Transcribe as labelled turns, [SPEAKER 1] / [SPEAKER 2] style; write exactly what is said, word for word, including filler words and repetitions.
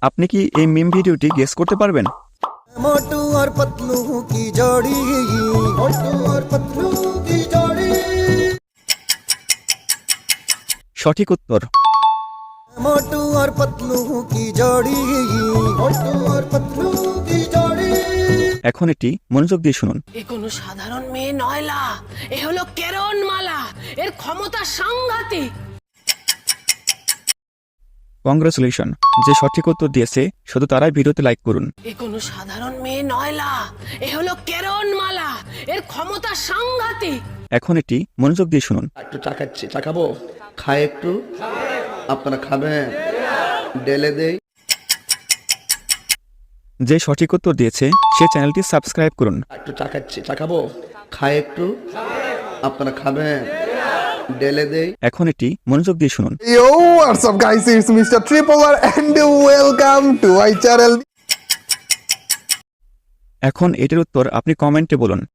[SPEAKER 1] আপনি কি এই মিম ভিডিওটি গেস করতে পারবেন?
[SPEAKER 2] मोटू और पतलू की जोड़ी, मोटू और पतलू की जोड़ी,
[SPEAKER 1] সঠিক উত্তর।
[SPEAKER 2] मोटू और पतलू की जोड़ी, मोटू और पतलू की जोड़ी।
[SPEAKER 1] এখন এটি মনোযোগ দিয়ে শুনুন।
[SPEAKER 3] এ কোনো সাধারণ মেয়ে নয়লা, এ হলো কেরণমালা, এর ক্ষমতা সাংঘাতিক।
[SPEAKER 1] কংগ্রেচুলেশন, যে সঠিক উত্তর দিয়েছে শুধু তারাই ভিডিওতে লাইক করুন।
[SPEAKER 3] এ কোনো সাধারণ মেয়ে নয়লা, এ হলো কেরণমালা, এর ক্ষমতা সাংঘাতিক।
[SPEAKER 1] এখন এটি মনোযোগ দিয়ে শুনুন।
[SPEAKER 4] একটু চা খাচ্ছি, চা খাবো, খায় একটু, আপনারা খাবেন, ডেলে দেই।
[SPEAKER 1] যে সঠিক উত্তর দিয়েছে সে চ্যানেলটি সাবস্ক্রাইব করুন।
[SPEAKER 4] একটু চা খাচ্ছি, চা খাবো, খায় একটু, আপনারা খাবেন, ডেলে দেই।
[SPEAKER 1] এখন এটি মনোযোগ দিয়ে শুনুন।
[SPEAKER 5] Yo, what's up guys, it's Mister Tripler and welcome to my channel.
[SPEAKER 1] এখন এটির উত্তর আপনি কমেন্টে বলুন।